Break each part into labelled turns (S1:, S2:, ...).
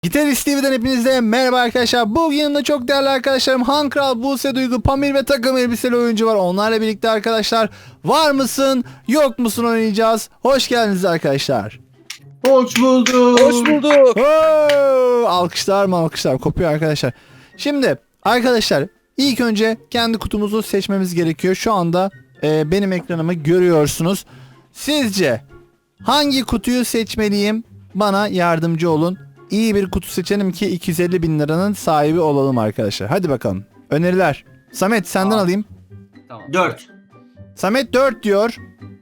S1: Gitarist TV'den hepinize merhaba arkadaşlar. Bugün yanımda çok değerli arkadaşlarım Han Kral, Buse Duygu, Pamir ve takım elbiseli oyuncu var. Onlarla birlikte arkadaşlar var mısın yok musun oynayacağız. Hoş geldiniz arkadaşlar.
S2: Hoş bulduk.
S3: Hoş bulduk.
S1: Alkışlar mı alkışlar kopuyor arkadaşlar. Şimdi arkadaşlar ilk önce kendi kutumuzu seçmemiz gerekiyor. Şu anda benim ekranımı görüyorsunuz. Sizce hangi kutuyu seçmeliyim? Bana yardımcı olun. İyi bir kutu seçelim ki 250 bin liranın sahibi olalım arkadaşlar. Hadi bakalım. Öneriler. Samet senden alayım.
S2: Tamam. 4.
S1: Samet 4 diyor.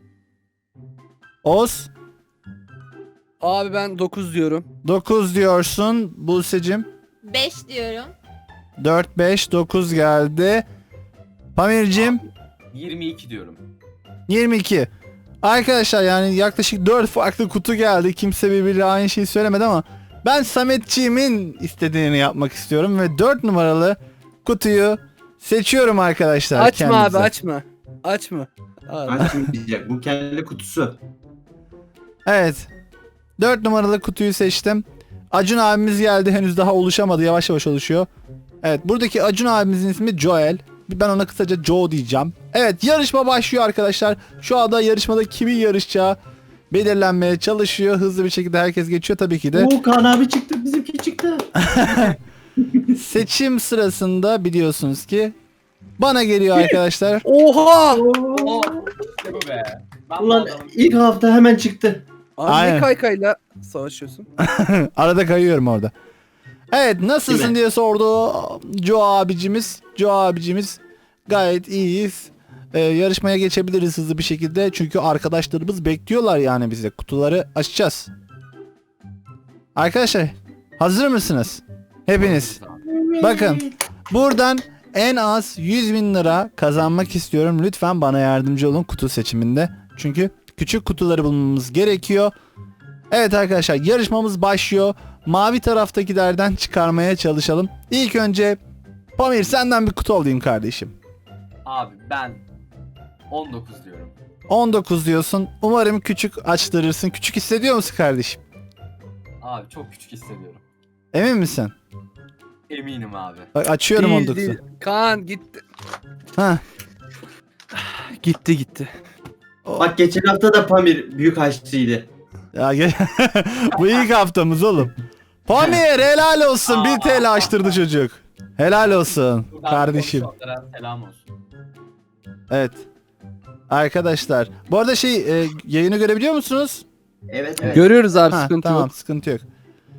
S1: Oz
S3: Abi ben 9 diyorum.
S1: 9 diyorsun. Buse'cim
S4: 5 diyorum.
S1: 4 5 9 geldi. Pamir'cim
S2: 22 diyorum.
S1: 22. Arkadaşlar yani yaklaşık 4 farklı kutu geldi. Kimse birbiriyle aynı şeyi söylemedi ama ben Sametçiğimin istediğini yapmak istiyorum ve 4 numaralı kutuyu seçiyorum arkadaşlar.
S3: Açma
S1: kendinize.
S3: abi açma. Açma. Abi.
S2: Açmayacak. Bu kendi kutusu.
S1: Evet. 4 numaralı kutuyu seçtim. Acun abimiz geldi. Henüz daha oluşamadı. Yavaş yavaş oluşuyor. Evet. Buradaki Acun abimizin ismi Joel. Ben ona kısaca Joe diyeceğim. Evet. Yarışma başlıyor arkadaşlar. Şu anda yarışmada kimin yarışacağı belirlenmeye çalışıyor. Hızlı bir şekilde herkes geçiyor tabii ki de.
S2: Kaan abi çıktı. Bizimki çıktı.
S1: Seçim sırasında biliyorsunuz ki bana geliyor arkadaşlar.
S3: Oha!
S5: İşte bu be. Ben
S2: Ulan
S5: bu adamın-
S2: ilk hafta hemen çıktı.
S3: Abi
S1: Aynen.
S3: ne kaykayla savaşıyorsun?
S1: Arada kayıyorum orada. Evet
S2: Değil
S1: nasılsın
S2: mi?
S1: diye sordu Joe abicimiz. Joe abicimiz gayet iyiyiz. Yarışmaya geçebiliriz hızlı bir şekilde. Çünkü arkadaşlarımız bekliyorlar yani bize. Kutuları açacağız. Arkadaşlar hazır mısınız? Hepiniz. Bakın buradan en az 100 bin lira kazanmak istiyorum. Lütfen bana yardımcı olun kutu seçiminde. Çünkü küçük kutuları bulmamız gerekiyor. Evet arkadaşlar yarışmamız başlıyor. Mavi taraftakilerden çıkarmaya çalışalım. İlk önce Pamir senden bir kutu alayım kardeşim.
S5: Abi ben 19 diyorum.
S1: 19 diyorsun. Umarım küçük açtırırsın. Küçük hissediyor musun kardeşim?
S5: Abi çok küçük hissediyorum.
S1: Emin misin?
S5: Eminim abi.
S1: Bak açıyorum
S3: Değil,
S1: 19'u.
S3: değil. Kaan gitti.
S1: Hah.
S3: Gitti.
S2: Bak geçen hafta da Pamir büyük aşçıydı.
S1: Ya bu ilk haftamız oğlum. Pamir helal olsun. 1 TL açtırdı çocuk. Helal olsun
S5: Buradan
S1: kardeşim.
S5: konuşanlara selam olsun.
S1: Evet. Arkadaşlar. Bu arada yayını görebiliyor musunuz?
S2: Evet evet.
S3: Görüyoruz abi
S1: Ha,
S3: sıkıntı
S1: tamam
S3: yok.
S1: sıkıntı yok.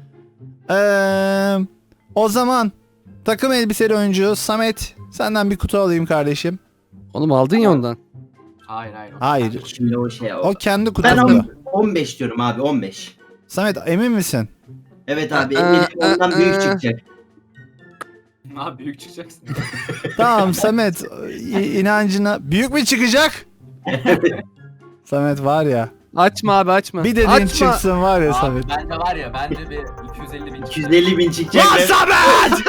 S1: O zaman takım elbiseli oyuncu Samet senden bir kutu alayım kardeşim.
S3: Oğlum aldın ya ondan.
S5: Hayır hayır.
S1: Hayır.
S2: Şimdi o şey
S1: O kendi
S2: Ben
S1: kutusu.
S2: 15 diyorum abi 15.
S1: Samet emin misin?
S2: Evet abi eminim ondan büyük çıkacak.
S5: Abi büyük çıkacaksın.
S1: Tamam Samet inancına büyük mü çıkacak? Samet var ya.
S3: Açma abi açma.
S1: Bir dediğin
S3: açma.
S1: çıksın var ya
S5: Abi
S1: Samet.
S5: bence var ya bence bir 250 bin
S2: 250 bin çıkacak.
S1: Lan Samet!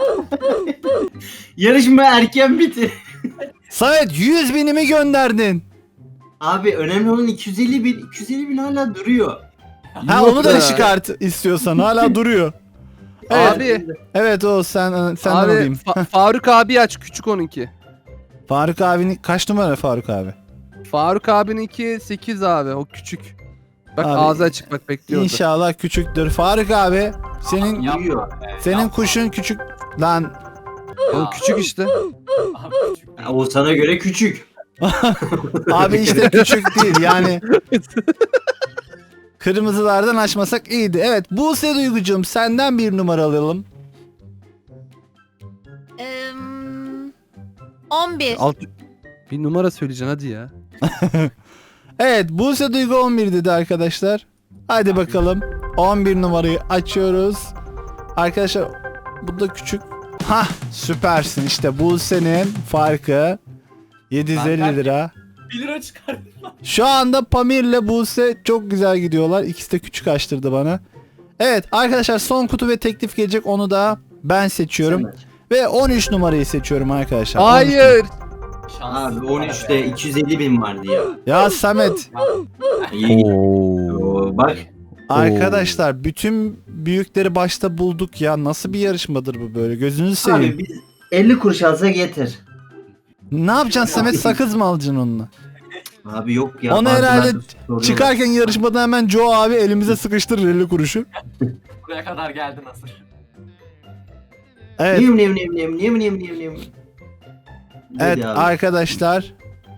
S2: Yarışma erken bitti.
S1: Samet 100 binimi gönderdin.
S2: Abi önemli olan 250 bin. 250 bin hala duruyor.
S1: Ha
S3: Yok
S1: onu da
S3: be.
S1: çıkart istiyorsan hala duruyor. Evet.
S3: Abi.
S1: Evet o senden
S3: Abi
S1: alayım.
S3: Faruk abi aç küçük onunki.
S1: Faruk abinin kaç numara Faruk abi?
S3: Faruk abininki 8 abi o küçük. Bak
S1: Abi,
S3: ağzı açık bak bekliyordu.
S1: İnşallah küçüktür. Faruk abi senin
S2: Duyuyor.
S1: senin kuşun küçük lan.
S3: Oğlum küçük işte.
S5: Abi küçük.
S2: Ha, o sana göre küçük.
S1: Abi işte küçük değil yani. Kırmızılardan açmasak iyiydi. Evet Buse Duygucuğum senden bir numara alalım.
S4: 11.
S3: Bir numara söyleyeceksin hadi ya.
S1: Evet Buse Duygu 11 dedi arkadaşlar. Hadi bakalım 11 numarayı açıyoruz. Arkadaşlar bu da küçük. Hah süpersin işte Buse'nin farkı 750 lira.
S5: 1 lira çıkardım.
S1: Şu anda Pamir'le Buse çok güzel gidiyorlar. İkisi de küçük açtırdı bana. Evet arkadaşlar son kutu ve teklif gelecek. Onu da ben seçiyorum. Ve 13 numarayı seçiyorum arkadaşlar. 13
S3: Hayır.
S2: Abi 13'te 250 bin vardı ya.
S1: Ya Samet.
S2: İyi. Oo, bak.
S1: Arkadaşlar bütün büyükleri başta bulduk ya. Nasıl bir yarışmadır bu böyle? Gözünüzü seveyim.
S2: Abi biz 50 kuruş alsa getir.
S1: Ne yapacaksın Samet? Sakız mı alacaksın onunla?
S2: Abi yok ya.
S1: Onu
S2: bazıları
S1: herhalde
S2: soruyorlar.
S1: çıkarken yarışmadan hemen Joe abi elimize sıkıştırır 50 kuruşu.
S5: Buraya kadar geldi nasıl?
S1: Evet.
S2: Niyem.
S1: Evet
S2: Dedi abi.
S1: arkadaşlar.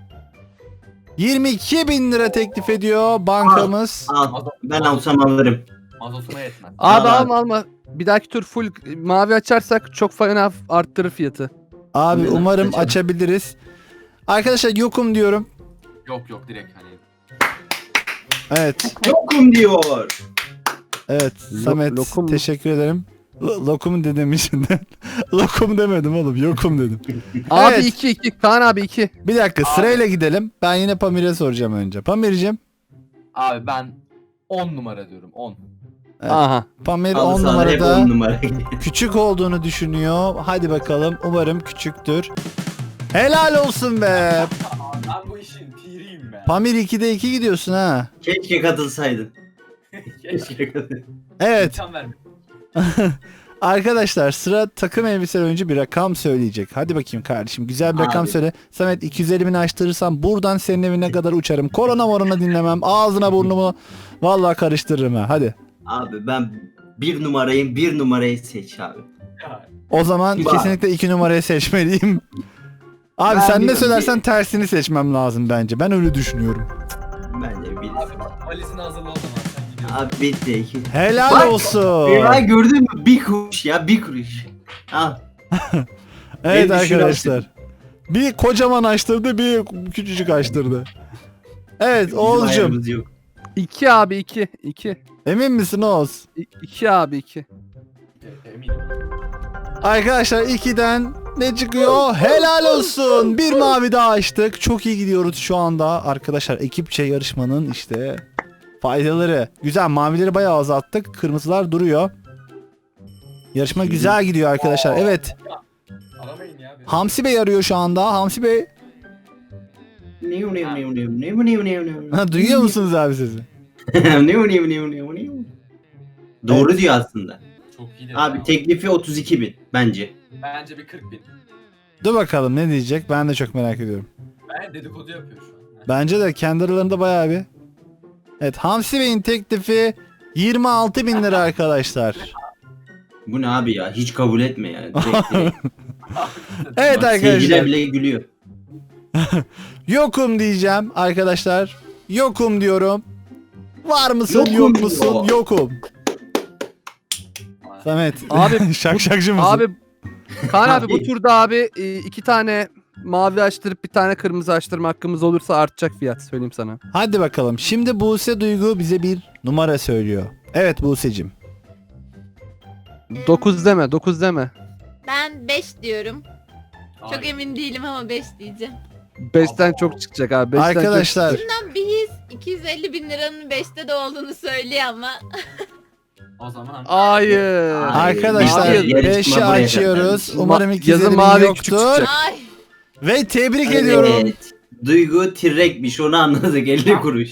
S1: 22.000 lira teklif ediyor bankamız.
S2: Al. Ben alsam alırım.
S5: Mazotuna yetmez.
S3: Abi
S2: Al
S3: alma alma. Bir dahaki tur full mavi açarsak çok fena arttırır fiyatı.
S1: Abi
S2: Neden?
S1: umarım
S2: Açalım.
S1: açabiliriz. Arkadaşlar yokum diyorum.
S5: Yok direkt hani.
S1: Evet.
S2: Yokum diyor.
S1: Evet Samet
S3: lokum mu?
S1: teşekkür ederim. Lokum dedim içinden. Lokum demedim oğlum yokum dedim.
S3: Abi
S1: Evet.
S3: 2 Kaan abi 2.
S1: Bir dakika sırayla gidelim. Ben yine Pamir'e soracağım önce. Pamir'cim.
S5: Abi ben 10 numara diyorum 10.
S1: Evet.
S3: Aha.
S1: Pamir
S2: Al
S1: 10
S2: sana hep
S1: numarada
S2: 10 numara.
S1: küçük olduğunu düşünüyor. Hadi bakalım umarım küçüktür. Helal olsun be.
S5: Ben bu işin piriyim be.
S1: Pamir 2'de 2 gidiyorsun ha.
S2: Keşke katılsaydın. Keşke katılsaydın.
S1: Evet.
S5: İmkan verme.
S1: Arkadaşlar sıra takım elbiseli oyuncu bir rakam söyleyecek. Hadi bakayım kardeşim güzel bir rakam
S2: Abi.
S1: söyle. Samet 250 bin açtırırsam buradan senin evine kadar uçarım. Korona morona dinlemem. Ağzına burnumu vallahi karıştırırım ha. Hadi.
S2: Abi ben bir numarayı seç abi.
S5: Ya,
S1: O zaman
S2: Bak.
S1: kesinlikle 2 numarayı seçmeliyim. Abi
S2: Ben
S1: sen ne
S2: bir-
S1: söylersen tersini seçmem lazım bence. Ben öyle düşünüyorum.
S2: Ben de bir.
S5: Abi valizini hazırla o zaman sen gidiyorsun.
S2: Abi bitti. 2.
S1: Helal
S2: Bak.
S1: olsun.
S2: Ya gördün mü? Bir kuruş ya bir kuruş. Al.
S1: Evet
S2: Beni düşür
S1: arkadaşlar. Bir kocaman açtırdı, bir küçücük açtırdı. Evet
S2: Bizim
S1: Oğuz'cum.
S2: ayarımız yok.
S3: 2 abi 2.
S1: Emin misin Oğuz?
S3: 2 abi 2.
S5: Eminim.
S1: Arkadaşlar 2'den ne çıkıyor? Helal olsun. Bir mavi daha açtık. Çok iyi gidiyoruz şu anda. Arkadaşlar ekipçe yarışmanın işte faydaları. Güzel mavileri bayağı azalttık. Kırmızılar duruyor. Yarışma güzel gidiyor arkadaşlar. Evet.
S5: Aramayın ya. beni.
S1: Hamsi Bey arıyor şu anda. Hamsi Bey. Ha, duyuyor musunuz abi sizi?
S2: Doğru diyor aslında.
S5: Çok iyi
S2: Abi
S5: ya.
S2: teklifi 32.000 bence.
S5: Bence bir 40 bin.
S1: Dur bakalım ne diyecek. Ben de çok merak ediyorum.
S5: Ben dedikodu yapıyor şu an.
S1: Bence de kendi aralarında bayağı bir. Evet Hamsi Bey'in teklifi 26 bin lira arkadaşlar.
S2: Bu ne abi ya? Hiç kabul etme ya. Direkt.
S1: Evet
S2: Bak,
S1: arkadaşlar.
S2: seyirciler bile gülüyor.
S1: Yokum diyeceğim arkadaşlar. Yokum diyorum. Var mısın
S2: Yokum
S1: yok
S2: diyor.
S1: musun? Yokum. Samet.
S3: Abi,
S1: şakşakçı mısın?
S3: Abi Kaan abi bu turda abi 2 tane mavi açtırıp bir tane kırmızı açtırma hakkımız olursa artacak fiyat söyleyeyim sana.
S1: Hadi bakalım. Şimdi Buse Duygu bize bir numara söylüyor. Evet Buse'cim.
S3: 9 deme 9 deme.
S4: Ben 5 diyorum. Çok
S5: Ay,
S4: emin değilim ama 5 diyeceğim.
S3: 5'ten çok çıkacak abi. 5'ten
S1: Arkadaşlar
S4: Bundan bir his 250 bin liranın 5'te de olduğunu söylüyor ama.
S5: O zaman
S3: Hayır.
S1: arkadaşlar
S3: Mavi-
S2: yarışma
S1: 5'i
S2: buraya
S1: açıyoruz.
S2: kadar.
S1: Umarım
S3: Yazın
S1: 250 bin
S3: mavi küçük
S1: yoktur.
S3: çıkacak.
S4: Ay.
S1: Ve tebrik ediyorum.
S2: Evet. Duygu tirrekmiş onu anladık 50 kuruş.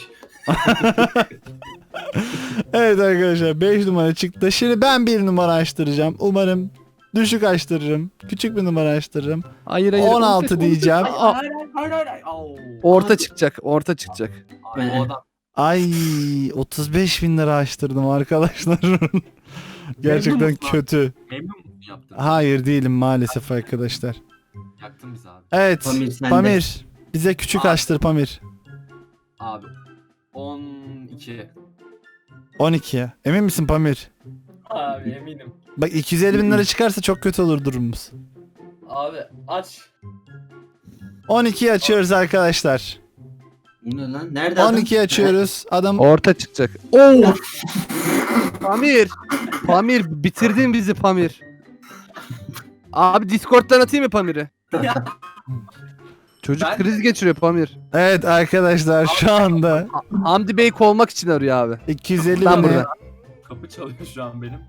S1: Evet arkadaşlar 5 numara çıktı. Şimdi ben bir numara açtıracağım. Umarım düşük açtırırım. Küçük bir numara açtırırım.
S3: Hayır hayır.
S1: 16 diyeceğim.
S5: Hayır. Au.
S3: Orta çıkacak. Orta çıkacak.
S5: Abi, o adam
S1: Ay 35 bin lira açtırdım arkadaşlar. Gerçekten
S5: musun abi?
S1: kötü.
S5: memnun musun yaptın?
S1: Hayır değilim maalesef arkadaşlar.
S5: Yaktın bizi abi.
S1: Evet
S2: Pamir sende.
S1: Pamir bize küçük
S5: Abi.
S1: açtır Pamir.
S5: Abi 12.
S1: 12. Emin misin Pamir?
S5: Abi eminim.
S1: Bak 250 bin lira çıkarsa çok kötü olur durumumuz.
S5: Abi aç.
S1: 12'yi açıyoruz arkadaşlar.
S2: Bu ne lan? Nerede adam?
S1: 12'yi açıyoruz. Adam
S3: Orta çıkacak. Oo. Pamir. Pamir bitirdin bizi Pamir. Abi Discord'dan atayım mı Pamir'i? Çocuk
S5: Ben-
S3: kriz geçiriyor Pamir.
S1: evet arkadaşlar şu anda
S3: Hamdi Bey kovmak için arıyor abi.
S1: 250
S3: Ben
S1: bin
S3: burada.
S5: Kapı çalıyor şu an benim.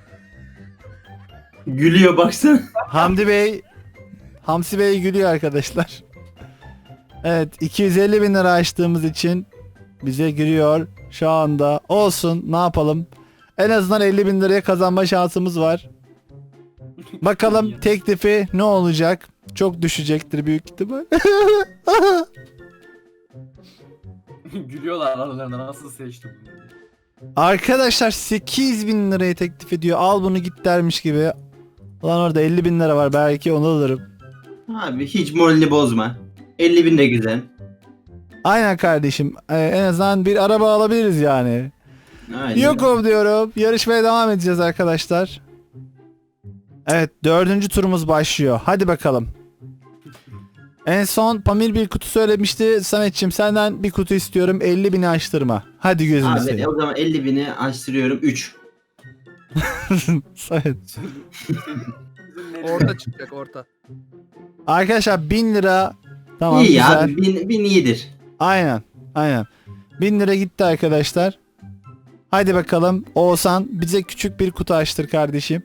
S2: Gülüyor baksana.
S1: Hamdi Bey Hamsi Bey gülüyor arkadaşlar. Evet 250 bin lira açtığımız için bize gülüyor şu anda. Olsun ne yapalım. En azından 50 bin liraya kazanma şansımız var. Bakalım teklifi ne olacak? Çok düşecektir büyük ihtimal.
S5: Gülüyorlar aralarında nasıl seçtim bunu.
S1: Arkadaşlar 8 bin liraya teklif ediyor. Al bunu git dermiş gibi. Lan orada 50 bin lira var. Belki onu alırım.
S2: Abi hiç moralini bozma. 50 bin de güzel.
S1: Aynen kardeşim. En azından bir araba alabiliriz yani.
S2: Aynen.
S1: Yokum diyorum. Yarışmaya devam edeceğiz arkadaşlar. Evet 4. turumuz başlıyor. Hadi bakalım. En son Pamir bir kutu söylemişti. Sametçim senden bir kutu istiyorum. 50 bini açtırma. Hadi gözünü
S2: Abi
S1: seveyim.
S2: o zaman 50 bini açtırıyorum 3.
S1: Samet.
S3: Orta çıkacak orta.
S1: Arkadaşlar 1000 lira. Tamam
S2: İyi
S1: güzel.
S2: abi 1000 iyidir.
S1: Aynen. Aynen. 1000 lira gitti arkadaşlar. Hadi bakalım. Oğuzhan bize küçük bir kutu açtır kardeşim.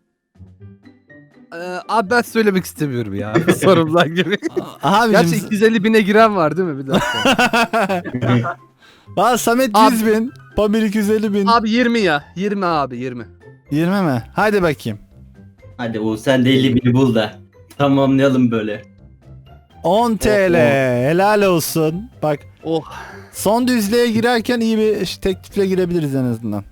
S3: Abi ben söylemek istemiyorum ya. Sorumlular gibi.
S1: Abicim.
S3: Gerçi 250 bine giren var değil mi? Bir dakika.
S1: Valla Samet
S3: Abi-
S1: 100 bin. Pamir 250 bin.
S3: Abi 20 ya. 20 abi 20.
S1: 20 mi? Hadi bakayım.
S2: Hadi o sen de 50 bini bul da. Tamamlayalım böyle.
S1: 10 TL. Helal olsun. Bak
S3: Oh.
S1: son düzlüğe girerken iyi bir teklifle girebiliriz en azından.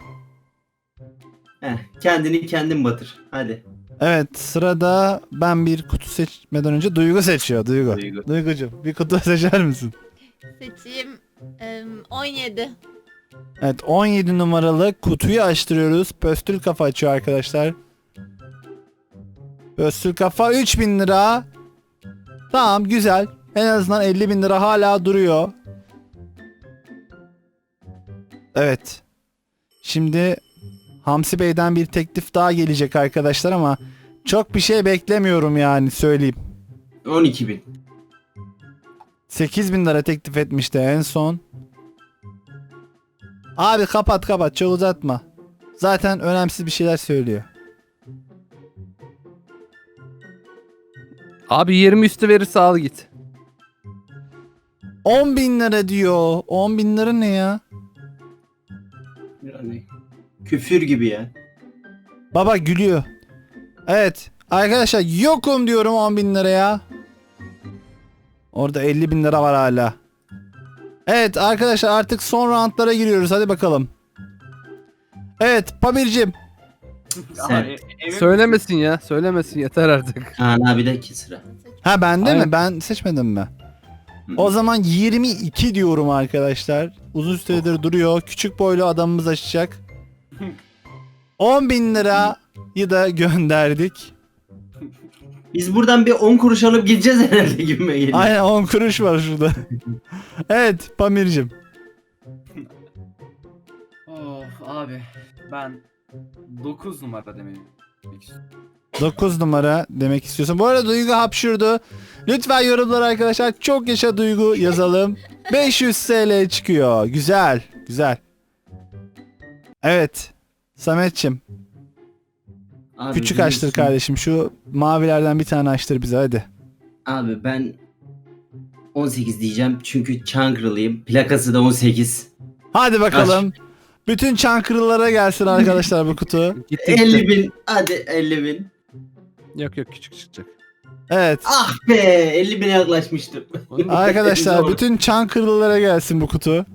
S2: Kendini kendin batır. Hadi.
S1: Evet sırada ben bir kutu seçmeden önce Duygu seçiyor. Duygu.
S2: Duygu.
S1: Duygucuğum bir kutu seçer misin?
S4: Seçeyim. 17.
S1: Evet 17 numaralı kutuyu açtırıyoruz. Pöstül kafa açıyor arkadaşlar. Pöstül kafa 3000 lira. Tamam güzel. En azından 50 bin lira hala duruyor. Evet. Şimdi Hamsi Bey'den bir teklif daha gelecek arkadaşlar ama çok bir şey beklemiyorum yani söyleyeyim.
S2: 12 bin.
S1: 8 bin lira teklif etmişti en son. Abi kapat kapat çok uzatma. Zaten önemsiz bir şeyler söylüyor.
S3: Abi 20 üstü verirse al git.
S1: 10 bin lira diyor. 10 bin lira ne ya?
S2: Yani küfür gibi ya.
S1: Baba gülüyor. Evet. Arkadaşlar yokum diyorum 10 bin liraya. Orada 50 bin lira var hala. Evet arkadaşlar artık son roundlara giriyoruz. Hadi bakalım. Evet Pamir'cim.
S2: Sen.
S3: Söylemesin ya. Söylemesin yeter artık.
S2: Kaan abi de ki sıra.
S1: Ha bende
S3: Aynen.
S1: mi? Ben seçmedim mi? O zaman 22 diyorum arkadaşlar. Uzun süredir duruyor. Küçük boylu adamımız açacak. 10 bin lirayı da gönderdik.
S2: Biz buradan bir 10 kuruş alıp gideceğiz herhalde gibime geliyor.
S1: Aynen 10 kuruş var şurada. Evet Pamir'cim.
S5: Of abi ben 9 numara demek istiyorum.
S1: 9 numara demek istiyorsun. Bu arada Duygu hapşurdu. Lütfen yorumlara arkadaşlar çok yaşa Duygu yazalım. 500 TL çıkıyor. Güzel. Güzel. Evet. Sametçim.
S2: Abi
S1: Küçük açtır
S2: biliyorsun-
S1: kardeşim. Şu mavilerden bir tane açtır bize hadi.
S2: Abi ben 18 diyeceğim çünkü Çankırılıyım. Plakası da 18.
S1: Hadi bakalım. Bütün Çankırılara gelsin arkadaşlar bu kutu.
S3: Gitti
S2: 50
S3: gitti.
S2: bin. Hadi 50 bin.
S3: Yok yok küçük çıkacak.
S1: Evet.
S2: Ah be 50 bine yaklaşmıştım.
S1: Arkadaşlar
S2: Zor.
S1: bütün Çankırılılara gelsin bu kutu.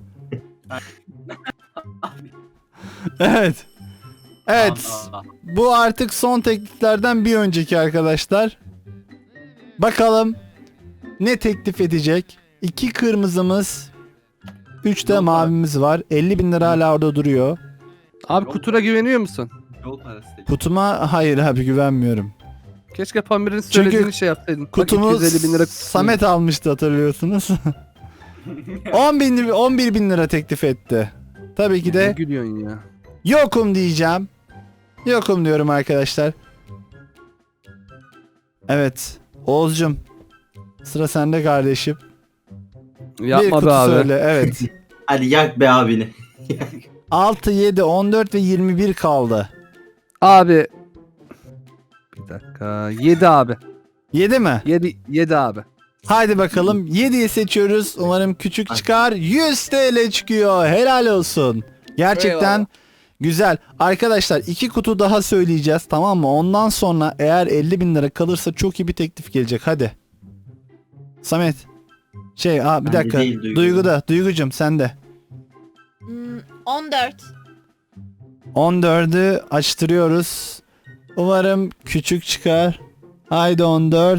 S1: Evet. Evet.
S5: Aa,
S1: Bu artık son tekliflerden bir önceki arkadaşlar. Bakalım ne teklif edecek? 2 kırmızımız, 3 de
S5: Yok
S1: mavimiz var. 50 bin lira hala orada duruyor.
S3: Abi kutuna güveniyor musun?
S5: Yol parası değil.
S1: Kutuma hayır abi güvenmiyorum.
S3: Keşke Pamir'in söylediğini şey yapsaydın. Bak,
S1: Kutumu
S3: 250 bin lira kutusu.
S1: Samet almıştı hatırlıyorsunuz. 11 bin lira teklif etti. Tabii ki
S3: Ne
S1: de
S3: gülüyorsun ya.
S1: yokum diyeceğim. Yokum diyorum arkadaşlar. Evet. Oğuzcum. Sıra sende kardeşim. Bir
S3: Yapma
S1: kutu
S3: be abi.
S1: söyle. Evet.
S2: Hadi yak be abini.
S1: 6, 7, 14 ve 21 kaldı.
S3: Abi. Bir dakika. 7 abi.
S1: 7 mi?
S3: 7 abi.
S1: Haydi bakalım. 7'yi seçiyoruz. Umarım küçük çıkar. 100 TL çıkıyor. Helal olsun. Gerçekten
S3: Eyvallah.
S1: Güzel. Arkadaşlar 2 kutu daha söyleyeceğiz, tamam mı? Ondan sonra eğer 50.000 lira kalırsa çok iyi bir teklif gelecek. Hadi. Samet. Bir
S2: Bende
S1: dakika.
S2: değil, Duygu.
S1: Duygu'da. Duygu'cum sende.
S4: 14.
S1: 14'ü açtırıyoruz. Umarım küçük çıkar. Haydi 14.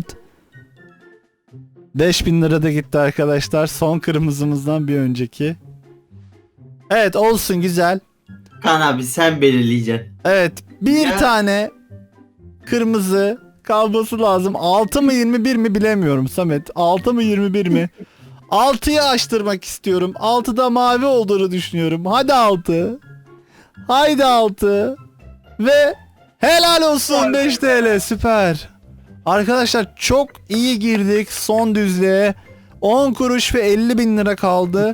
S1: 5.000 lira da gitti arkadaşlar. Son kırmızımızdan bir önceki. Evet, olsun, güzel.
S2: Kaan abi sen belirleyeceksin.
S1: Evet, bir
S2: Ya.
S1: tane kırmızı kalması lazım. 6 mı 21 mi bilemiyorum Samet. 6 mı 21 mi? 6'yı açtırmak istiyorum. 6'da mavi olduğunu düşünüyorum. Hadi 6. Haydi 6. Ve helal olsun 5 TL, süper. Arkadaşlar çok iyi girdik son düzlüğe. 10 kuruş ve 50.000 lira kaldı.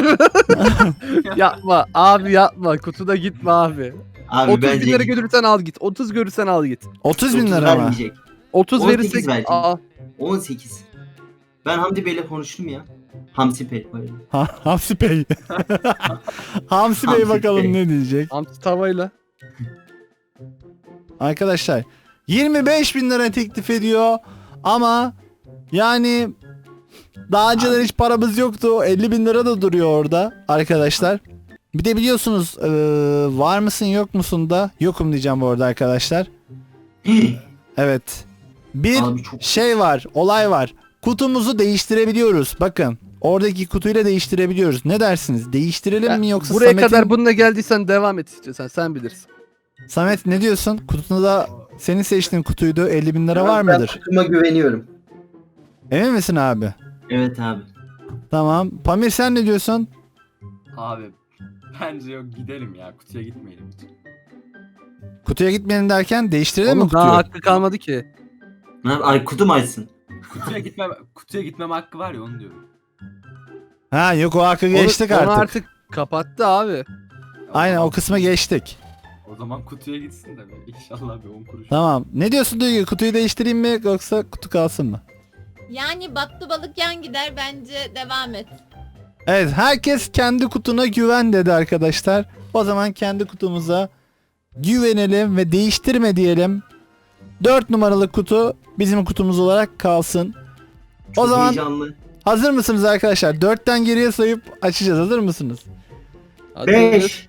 S3: Yapma abi, yapma. Kutuda gitme abi.
S2: Abi
S3: 30
S2: bence
S3: bin lira görürsen al git. 30 görürsen al git.
S1: 30.000 lira mı?
S2: vermeyecek.
S3: 30
S2: 18
S3: verirsek
S2: verecek.
S3: aa,
S2: 18. Ben Hamdi Bey'le konuştum ya. Hamsi Bey pardon.
S1: Hamsi Bey. Hamsi Bey
S2: Hamsi
S1: bakalım
S2: Bey.
S1: ne diyecek.
S3: hamsi tavayla.
S1: Arkadaşlar 25.000 lira teklif ediyor ama yani daha önceden hiç paramız yoktu. 50.000 lira da duruyor orada arkadaşlar. Bir de biliyorsunuz var mısın yok musun da yokum diyeceğim bu arada arkadaşlar. Evet. Bir
S2: Abi çok
S1: şey var, olay var. Kutumuzu değiştirebiliyoruz. Bakın oradaki kutuyla değiştirebiliyoruz. Ne dersiniz? Değiştirelim mi yoksa
S3: Buraya
S1: Samet'in...
S3: kadar bununla geldiysen devam et istiyorsan, sen bilirsin.
S1: Samet ne diyorsun? Kutunda senin seçtiğin kutuydu. 50.000 lira var
S2: Ben
S1: mıdır?
S2: kutuma güveniyorum.
S1: Emin misin abi?
S2: Evet abi.
S1: Tamam. Pamir sen ne diyorsun?
S5: Abi bence yok, gidelim ya, kutuya gitmeyelim hiç.
S1: Kutuya gitmeyelim derken değiştirelim mi
S3: Oğlum daha
S1: kutuyu?
S3: hakkı kalmadı ki.
S2: Ay kutum açsın.
S5: Kutuya gitmem hakkı var ya, onu diyorum.
S1: Ha yok, o hakkı
S3: Onu-
S1: geçtik
S3: onu
S1: artık.
S3: artık kapattı abi.
S1: Aynen, o kısma geçtik.
S5: O zaman kutuya gitsin de inşallah bir 10 kuruş.
S1: Tamam. Ne diyorsun Duygu? Kutuyu değiştireyim mi yoksa kutu kalsın mı?
S4: Yani battı balık yan gider, bence devam et.
S1: Evet, herkes kendi kutuna güven dedi arkadaşlar. O zaman kendi kutumuza güvenelim ve değiştirme diyelim. 4 numaralı kutu bizim kutumuz olarak kalsın.
S2: Çok
S1: O zaman
S2: heyecanlı.
S1: hazır mısınız arkadaşlar? 4'ten geriye sayıp açacağız. Hazır mısınız?
S3: Hadi
S2: 5.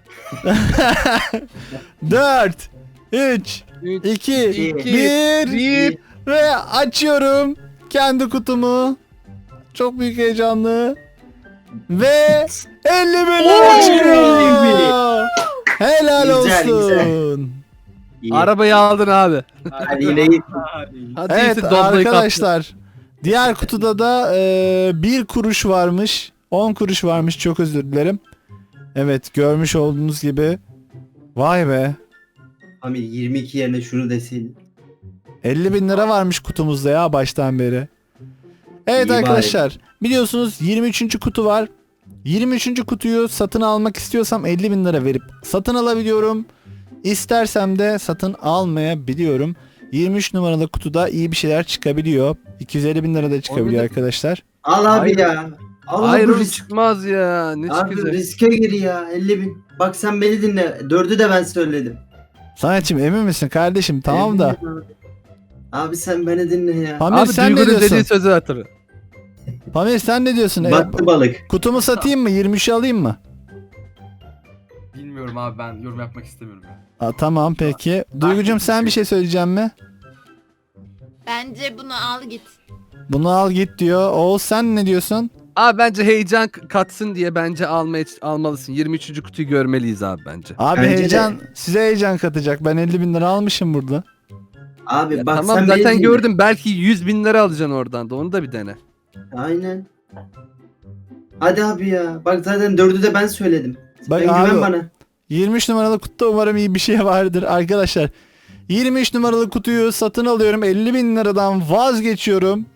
S1: 4 3
S3: 3,
S1: 2
S2: İki,
S1: 1
S3: 1.
S1: ve açıyorum kendi kutumu. Çok büyük heyecanlı. Ve 50.000 lira
S2: Oo,
S1: çıkıyor. Helal
S2: Güzel,
S1: olsun.
S3: Arabayı aldın abi.
S2: Hadi yine iyi.
S3: Hadi
S1: Evet
S3: iyisi doblayı kaptın.
S1: arkadaşlar. Diğer kutuda da 1 kuruş varmış. 10 kuruş varmış, çok özür dilerim. Evet, görmüş olduğunuz gibi. Vay be.
S2: Amir 22 yerine şunu desin.
S1: 50.000 lira varmış kutumuzda ya baştan beri. Evet
S2: İyi bari.
S1: arkadaşlar, biliyorsunuz 23. kutu var. 23. kutuyu satın almak istiyorsam 50.000 lira verip satın alabiliyorum. İstersem de satın almayabiliyorum. 23 numaralı kutuda iyi bir şeyler çıkabiliyor. 250.000 lira da çıkabiliyor
S3: Oynadık.
S1: arkadaşlar.
S2: Al abi
S3: Hayır.
S2: ya. Al
S3: Hayır
S2: bu
S3: oğlum,
S2: risk.
S3: çıkmaz ya. Ne
S2: Abi
S3: çıkacak?
S2: riske gir ya 50.000. Bak sen beni dinle. 4'ü de ben söyledim.
S1: Samet'ciğim emin misin kardeşim? Tamam da.
S2: Eminim abi. Abi sen beni dinle ya.
S1: Pamir
S3: Abi
S1: sen ne
S3: Duygu'nun
S1: diyorsun?
S3: dediği sözü hatırla.
S1: Pamir sen ne diyorsun?
S2: Battı balık.
S1: Kutumu satayım mı? 23'ü alayım mı?
S5: Bilmiyorum abi, ben yorum yapmak istemiyorum ya.
S1: Tamam peki. Duygucum sen bir şey söyleyeceğim mi?
S4: Bence bunu al git.
S1: Bunu al git diyor. Oğuz sen ne diyorsun?
S3: Abi bence heyecan katsın diye bence almalısın. 23. kutuyu görmeliyiz abi bence.
S1: Abi
S2: Bence de.
S1: heyecan size heyecan katacak. Ben 50.000 lira almışım burada.
S2: Abi
S3: Ya
S2: bak
S3: tamam
S2: sen beni
S3: zaten
S2: dinle.
S3: gördüm. Belki 100.000 lira alacaksın oradan da. Onu da bir dene.
S2: Aynen. Hadi abi ya. Bak zaten 4'ü de ben söyledim.
S1: Bak
S2: Sen
S1: abi,
S2: güven bana.
S1: 23 numaralı kutuda umarım iyi bir şey vardır arkadaşlar. 23 numaralı kutuyu satın alıyorum. 50.000 liradan vazgeçiyorum.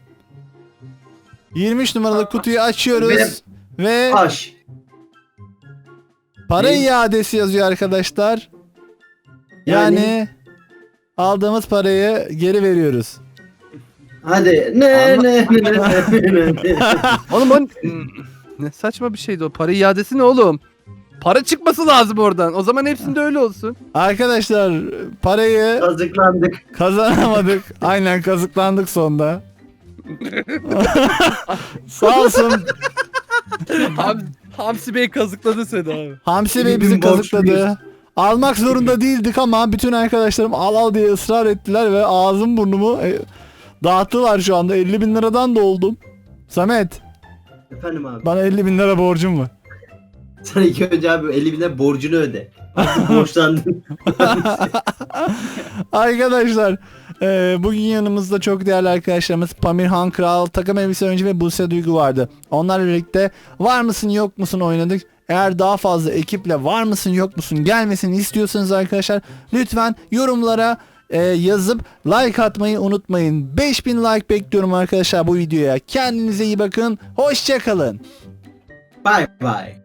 S1: 23 numaralı kutuyu açıyoruz. Ve
S2: Aş.
S1: para
S2: Ne?
S1: iadesi yazıyor arkadaşlar. Yani aldığımız parayı geri veriyoruz.
S2: Hadi.
S3: Ama-
S2: Ne.
S3: Oğlum o ne saçma bir şeydi o. Para iadesi ne oğlum? Para çıkması lazım oradan. O zaman hepsinde öyle olsun.
S1: Arkadaşlar parayı
S2: Kazıklandık.
S1: kazanamadık. Aynen kazıklandık sonda. Sağ olsun.
S3: Hamsi Bey kazıkladı seni abi.
S1: Hamsi Bey
S2: 50.000
S1: bizi
S2: borçluyuz.
S1: kazıkladı. Almak zorunda değildik ama bütün arkadaşlarım al diye ısrar ettiler ve ağzım burnumu dağıttılar şu anda. 50.000 liradan da oldum. Samet,
S2: Efendim abi.
S1: bana 50.000 lira borcum var.
S2: Sen ilk önce abi 50.000'e borcunu öde. Artık borçlandın.
S1: Arkadaşlar bugün yanımızda çok değerli arkadaşlarımız Pamir Han Kral, Takım Elbise Oyuncu ve Buse Duygu vardı. Onlarla birlikte var mısın yok musun oynadık. Eğer daha fazla ekiple var mısın yok musun gelmesini istiyorsanız arkadaşlar lütfen yorumlara yazıp like atmayı unutmayın. 5000 like bekliyorum arkadaşlar bu videoya. Kendinize iyi bakın. Hoşça kalın.
S2: Bye bye.